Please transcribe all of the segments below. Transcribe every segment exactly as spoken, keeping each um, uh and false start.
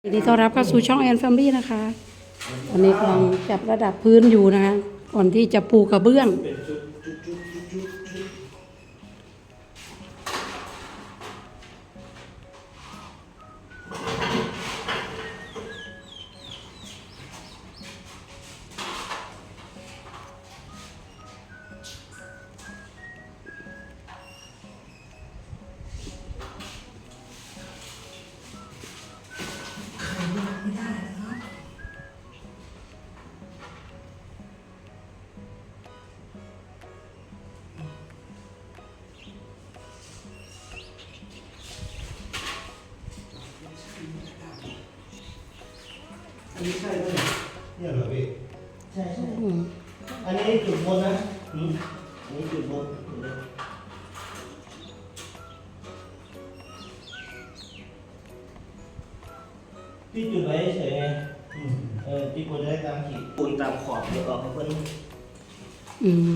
ยินดีต้อนรับเข้าสู่ช่องแอนแฟมิลี่นะคะวันนี้กำลังจับระดับพื้นอยู่นะคะก่อนที่จะปูกระเบื้องอันนี้ใช่ไหมเนี่ยเหรอพี่ใช่ใช่อืมอันนี้จุดบนนะอืมอันนี้จุดบนพี่จุดไว้เฉยไงอืมเออพี่ควรจะได้ตามขีดปูนตามขอบเดี๋ยวออกให้เพิ่นอืม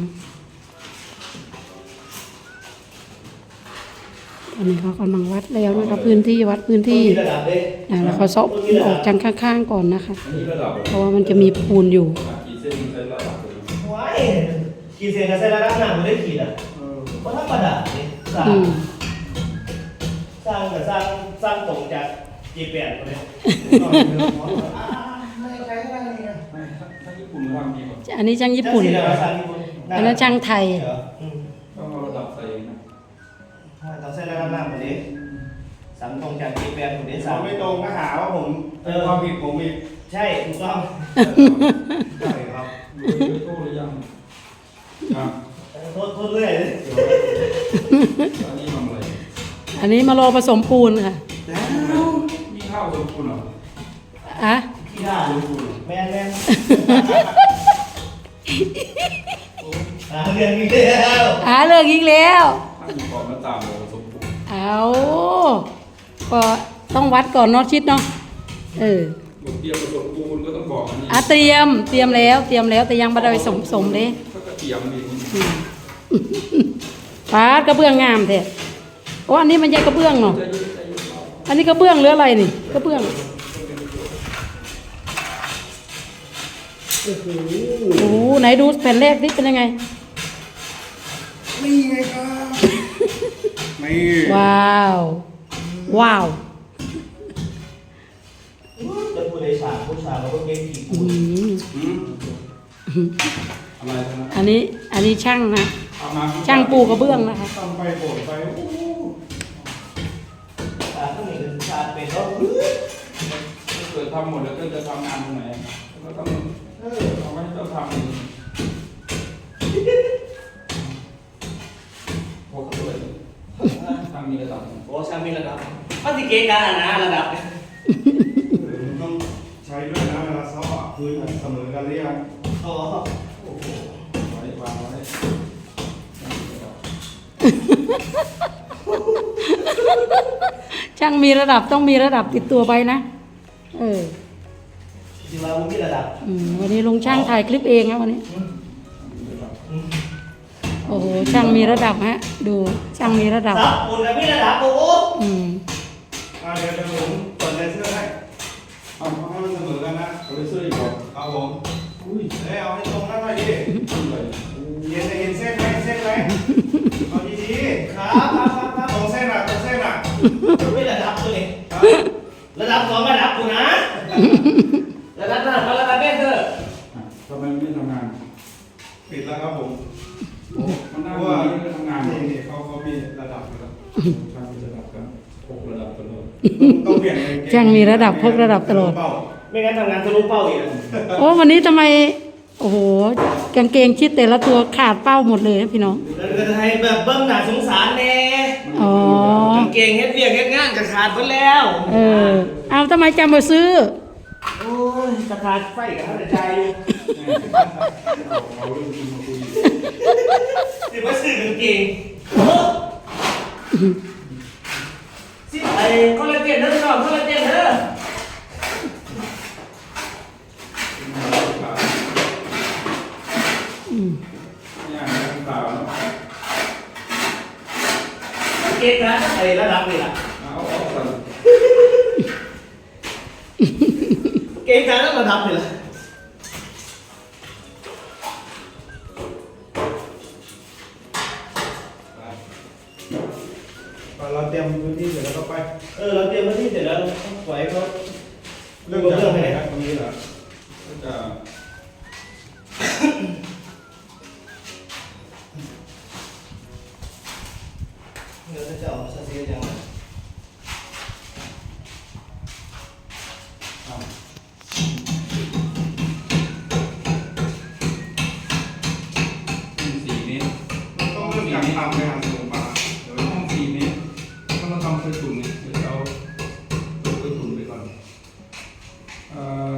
ตอนนี้เขากำลังวัดแล้วนะคะพื้นที่วัดพื้นที่มีระดับเลยอ่าแล้วเขาซอกปูนออกจากข้างๆก่อนนะคะอันนี้ระดับเพราะว่ามันจะมีปูนอยู่กี่เส้นใช้ระดับเลยว้ายขีดเส้นกับเส้นระดับหน้าไม่ได้ขีดอ่ะเพราะถ้าประดับเนี่ยสร้างอืมสร้างกับสร้างสร้างตรงจากจีแปดคนเนี้ยไม่ใช่อะไรเนี่ยไม่ถ้าญี่ปุ่นทำดีกว่าอันนี้ช่างญี่ปุ่นจะสีอะไรวะสร้างญี่ปุ่นอันนั้นช่างไทยเหรออืมต้องเอาระดับใส่นะต้องเส้นระดับหน้าหมดเลยสามตรงจากจีแปดคนนี้สาสาม มไม่ตรงก็หาว่าผมเออความผิดผมอีกใช่ถูกต้องใช่ครับดูยูทูบหรือยังอ่ะโทษโทษเรื่อยเลยอันนี้ทำอะไรอันนี้มารอผสมปูนค่ะมีข้าวสมบูรณ์เหรออ่ะขี้ด่าลูกแม่นแม่นหาเรื่องนี้แล้วหาเลิกอีกแล้วถ้ามีความมาตามเราสมบูรณ์เอาก็ต้องวัดก่อนเนาะชิดเนาะเออบทเตรียมผสมปูนก็ต้องบอกอันนี้อ่ะเตรียมเตรียมแล้วเตรียมแล้วแต่ยังไม่ได้สมสมเลยก็กระเทียมดีปาดกระเบื้องงามแท้โอ้อันนี้มันใช่กระเบื้องเนาะจะยืดจะยืดเราอันนี้กระเบื้องหรืออะไรนี่กระเบื้องโอ้โหไหนดูแผ่นแรกนี่เป็นยังไงนี่ไงครับนี่ว้าว ว้าวจะผู้โดยสารผู้ชายเขาก็เก่งขี่อืมอะไรทั้งนั้นอันนี้อันนี้ช่างนะเอามาช่างปูกระเบื้องนะคะทำไปโบดไปโอ้โหชาต้องมีเป็นชาเป็นแล้วถ้าเกิดทำหมดแล้วก็จะทำงานตรงไหนก็ต้องเออเอาไว้ต้องทำเองโอ้โหด้วยทำมีระดับโอ้ชามีระดับมันสิเก่งกันนะระดับมันต้องใช้ด้วยนะเวลาซ้อมอ่ะพื้นเสมอกันหรือยังอ๋อโอ้โหไว้วางไว้ช่างมีระดับต้องมีระดับติดตัวไปนะเออจริงๆแล้วมันมีระดับอืมวันนี้ลุงช่างถ่ายคลิปเองนะวันนี้ โอ้โหช่างมีระดับฮะ ดูช่างมีระดับซับปูนกับมีระดับโอ้โหอืมอ่าเดี๋ยวเดี๋ยวผมกดเลเซอร์ให้เอาให้มันเสมอกันนะเขาไปซื้ออีกบอกเอาผมอุ้ยเอ้ยเอาให้ตรงนั้นหน่อยดิซื้อเลยเย็นเห็นเส้นไหมเส้นไหมเอาดีครับครับครับครับๆตรงเส้นอ่ะตรงเส้นอ่ะมีระดับตัวนี้ครับระดับสองระดับกูนะระดับระดับระดับเบสเตอร์อ่ะทำไมไม่ทำงานปิดแล้วครับผมโอ้มันเพน่าราะว่าว่าไม่ทำงานนี่นี่เขาเขามีระดับอยู่แล้วช่างมีระดับกันหกระดับตลอดต้องเปลี่ยนกเกช่างมีระดับพกระดับตลอดเป้าไม่งั้นทำงานทะลุเป้าอีกโอ้วันนี้ทำไม โอ้โหกางเกงชิดแต่ละตัวขาดเป้าหมดเลยนะพี่น้องแล้วก็ให้แบบเบิ้งหน้าสงสารแน่อ๋อกางเกงเฮ็ดเวียกเฮ็ดงานจะขาดไปแล้วเออ เอาทำไมจำมาซื้อโอ้ยจะขาดไฟกับท่านใจอยู่เอาเรื่องจริงมาคุยสิว่าซื้อกางเกงสิไอ้คอลลาเจนเด้อน้องคอลลาเจนเด้ออืมเนี่ยนะข่าวเนาะกางเกงนะไอ้ระดับนี่ล่ะเอาเอาสั่นเก่งใจแล้วมาทำเลยล่ะเราเตรียมพื้นที่เสร็จแล้วก็ไปเออเราเตรียมพื้นที่เสร็จแล้วปล่อยเขาเรื่องจากไหนครับตรงนี้เหรอก็จะเดี๋ยวจะเอาซาซิยังสี่เมตรต้องเริ่มจากทำในหางสูงป่ะเดี๋ยวห้องสี่เมตรต้องมาทำเคยตุ่มเนี่ยเดี๋ยวเอาตัวเคยตุ่มไปก่อนเอ่อ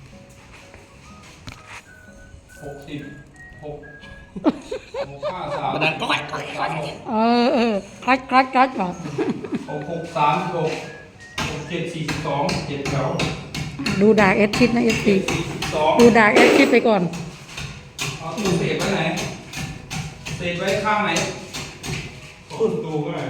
หกสิบหกหกห้าสามมันดังก้อยก้อยก้อยเออเออคลัดคลัดคลัดก่อนหกหกสามหกหกเจ็ดสี่สิบสองเจ็ดแถวดูดากเอสชิดนะเอสซีสี่สิบสองดูดากเอสชิดไปก่อนเอาตู้เศษไว้ไหนเศษไว้ข้างไหนขึ้นตูก็ได้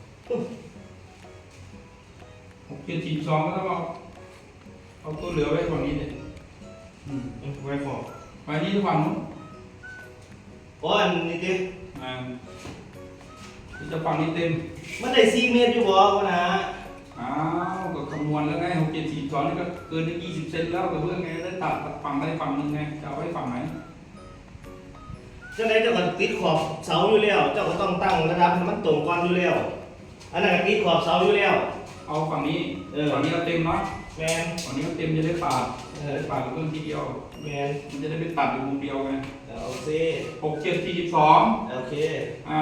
หกเจ็ดสี่สิบสองก็ต้องเอาเอาตัวเหลือไว้ฝั่งนี้เนี่ยไว้ขอบไว้นี่ฝั่งนู้นโอ้อันนี้ดิอ่าจะฝั่งนี้เต็มมันได้สี่เมตรอยู่บ่วะนะอ้าวก็คำนวณแล้วไงหกเจ็ดสี่สองนี่ก็เกินได้ยี่สิบเซนแล้วแต่เพื่อนไงได้ตัดฝั่งใดฝั่งหนึ่งไงจะเอาไว้ฝั่งไหนเจ้าไหนเจ้าก็ติดขอบเสาอยู่แล้ว เจ้าก็ต้องตั้งระดับให้มันตรงก่อนอยู่แล้ว อันนั้นก็ติดขอบเสาอยู่แล้วเอาฝั่งนี้เออฝั่งนี้เราเต็มเนาะแมนฝั่งนี้เราเต็มจะได้ปาดเอจะอได้ปาดกับเพื่อนทีเดียวแมนมันจะได้ไปตัดอยู่มุมเดียวไงเอาซิหกเจ็ดสี่สิบสองโอเคอ่า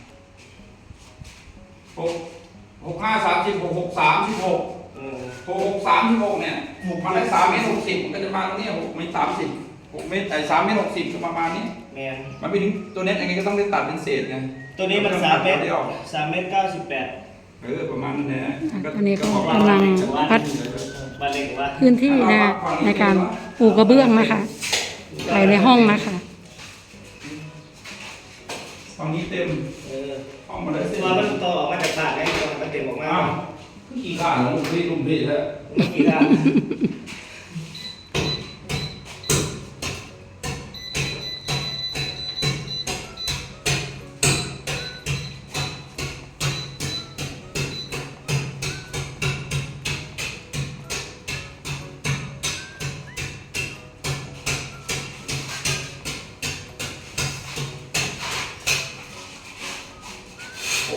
หกหกห้าสามสิบหกหกสามสิบหกอืมหกหกสามสิบหกเนี่ยมันได้สามเมตรหกสิบมันก็จะมาตรงนี้หกเมตรสามสิบหกเมตรไอ้สามเมตรหกสิบก็ประมาณนี้แมนมันไปถึงตัวเน็ตยังไงก็ต้องได้ตัดเป็นเศษไงตัวนี้มันสามเมตรเดียวสามเมตรเก้าสิบแปดเออประมาณนั้นแหละอันนี้ก็กำลังพัดบ้านเล็กว่าพื้นที่นะในการปูกระเบื้องนะคะภายในห้องนะคะฝั่งนี้เต็มเออห้องมาได้เสร็จตัวมันต่อออกมาจากปากไงตัวมันเต็มออกมาอ้าวกี่ข้างของพี่ลุงพี่แล้วไม่กี่ด้านโอ้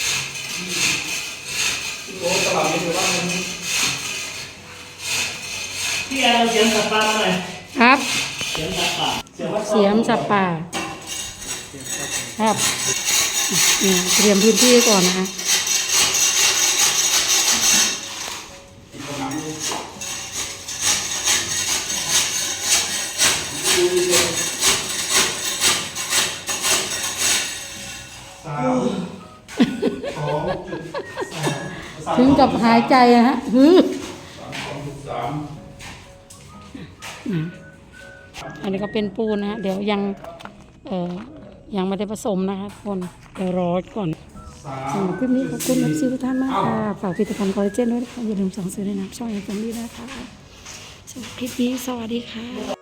ที่โต๊ะตลับนี่ถือว่ามันพี่แอนเอาเสียงสับปะมาหน่อยครับเสียงสับปะเสียงวัดเสียมสับป่าครับอืมเตรียมพื้นที่ก่อนนะคะติดผนังดูสามสองจุดสามถึงกับหายใจอะฮะฮือสามสองจุดสามอันนี้ก็เป็นปูนนะฮะเดี๋ยวยังเอ่อยังไม่ได้ผสมนะคะทุกคนเดี๋ยวรอก่อนสาสำหมรับคลิปนี้ขอบคุณนักซิวทุกท่านมากค่ะฝากผลิตภัณฑ์คอลลาเจนด้วยนะคะอย่าลืมสั่งซื้อในน้ำช่องแอนด์แฟมิลี่นะคะสำหรับคลิปนี้สวัสดีค่ะ